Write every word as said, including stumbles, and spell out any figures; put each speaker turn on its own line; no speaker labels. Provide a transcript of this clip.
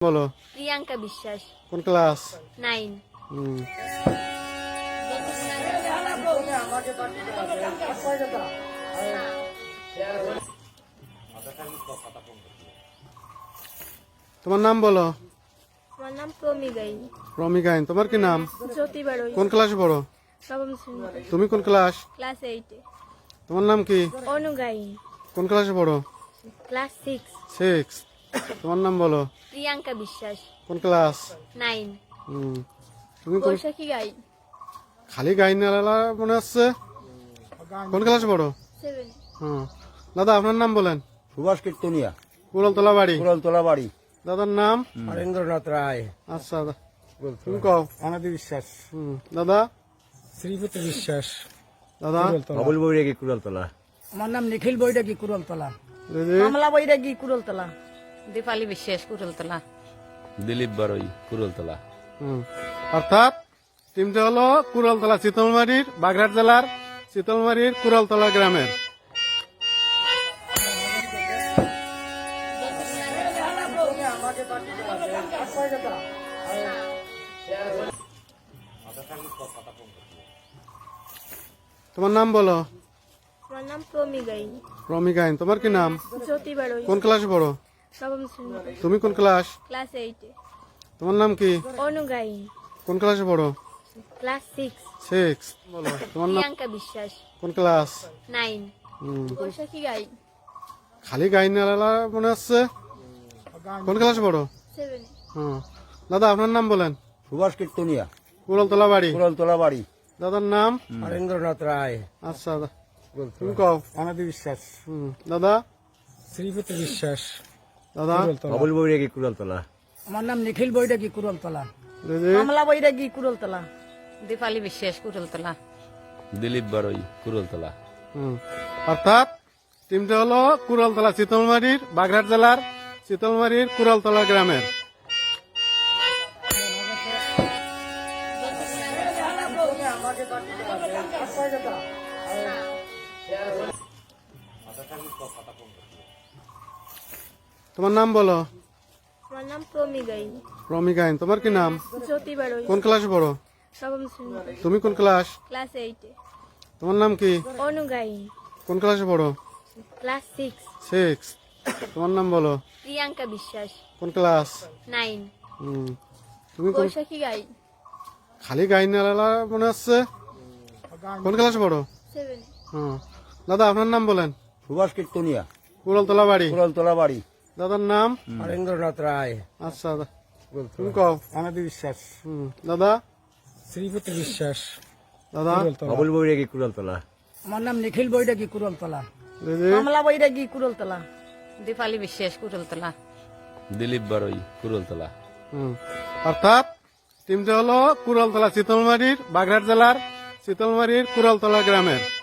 বলো।
প্রিয়াঙ্কা বিশ্বাস।
কোন ক্লাস?
নাইন।
হুম। তোমার নাম বলো।
আমার নাম প্রমিগাই।
প্রমিকাইন। তোমার কি নাম?
জ্যোতি বাড়ই।
কোন ক্লাসে পড়ো?
নবম শ্রেণীতে।
তুমি কোন ক্লাস?
ক্লাস এইটে।
তোমার নাম কি?
অনুগাই।
কোন ক্লাসে পড়ো?
Class six.
সিক্স। তোমার নাম বলো।
প্রিয়াঙ্কা বিশ্বাস।
কোন ক্লাস?
নাইন।
হুম। তুমি কোন?
বৈশাখী গাই।
খালি গাইন নালা মনে হচ্ছে। কোন ক্লাসে পড়ো?
সেভেন।
হ্যাঁ। দাদা আপনার নাম বলেন।
সুভাষ কীর্তনিয়া,
কুড়লতলা বাড়ি।
কুড়ালতলা বাড়ি।
দাদার নাম?
নরেন্দ্রনাথ রায়।
আচ্ছা তুমি কও।
আনাদি বিশ্বাস,
হুম। দাদা?
শ্রীপতি বিশ্বাস।
দাদা?
বাবুল বৈরাগী, কুড়ালতলা। আমার নাম নিখিল বৈরাগী, কুড়ালতলা।
দিদি?
কমলা বৈরাগী, কুড়ালতলা।
দীপালি বিশ্বাস, কুড়ালতলা।
দিলীপ বারই, কুড়ালতলা।
হুম। অর্থাৎ টিমটা হলো কুড়ালতলা, শীতলমারির, বাগড়াট জেলার শীতলমারির কুড়ালতলা গ্রামের। তোমার নাম বলো।
আমার নাম প্রমিগাই।
প্রমিকাইন। তোমার কি নাম?
জ্যোতি বাড়ই।
কোন ক্লাসে পড়ো?
নবম শ্রেণীতে।
তুমি কোন ক্লাস?
ক্লাস এইটে।
তোমার নাম কি?
অনুগাই।
কোন ক্লাসে পড়ো?
Class six.
সিক্স। বলো। তোমার নাম?
প্রিয়াঙ্কা বিশ্বাস।
কোন ক্লাস?
নাইন।
হুম।
বৈশাখী গাই।
খালি গাইন নালা মনে হচ্ছে। কোন ক্লাসে পড়ো?
সেভেন।
হ্যাঁ। দাদা আপনার নাম বলেন।
সুভাষ কীর্তনিয়া,
কুড়ালতলা বাড়ি।
কুড়ালতলা বাড়ি।
দাদার নাম?
নরেন্দ্রনাথ রায়।
আচ্ছা তুমি কও।
আনাদি বিশ্বাস,
হুম। দাদা?
শ্রীপতি বিশ্বাস।
দাদা?
বাবুল বৈরাগী, কুড়ালতলা।
আমার নাম নিখিল বৈরাগী, কুড়ালতলা।
দিদি?
কমলা বৈরাগী, কুড়ালতলা।
দীপালি বিশ্বাস, কুড়ালতলা।
দিলীপ বারই, কুড়ালতলা।
হুম। অর্থাৎ টিমটা হলো কুড়ালতলা, শীতলমারির, বাগড়াট জেলার শীতলমারির কুড়ালতলা গ্রামের। তোমার নাম বলো।
আমার নাম প্রমিগাই।
প্রমিকাইন। তোমার কি নাম?
জ্যোতি বাড়ই।
কোন ক্লাসে পড়ো?
নবম শ্রেণীতে।
তুমি কোন ক্লাস?
ক্লাস এইটে।
তোমার নাম কি?
অনুগাই।
কোন ক্লাসে পড়ো?
Class six.
সিক্স। তোমার নাম বলো।
প্রিয়াঙ্কা বিশ্বাস।
কোন ক্লাস?
নাইন।
হুম। তুমি কোন?
বৈশাখী গাই।
খালি গাইন নালা মনে হচ্ছে। কোন ক্লাসে পড়ো?
সেভেন।
হ্যাঁ। দাদা আপনার নাম বলেন।
সুভাষ কীর্তনিয়া,
কুড়ালতলা বাড়ি।
কুড়ালতলা বাড়ি।
দাদার নাম?
নরেন্দ্রনাথ রায়।
আচ্ছা তুমি কও।
আনাদি বিশ্বাস,
হুম। দাদা?
শ্রীপতি বিশ্বাস।
দাদা?
বাবুল বৈরাগী, কুড়ালতলা।
আমার নাম নিখিল বৈরাগী, কুড়ালতলা।
দিদি?
কমলা বৈরাগী, কুড়ালতলা।
দীপালি বিশ্বাস, কুড়ালতলা।
দিলীপ বারই, কুড়ালতলা।
হুম। অর্থাৎ টিমটা হলো কুড়ালতলা, শীতলমারির, বাগড়াট জেলার শীতলমারির কুড়ালতলা গ্রামের।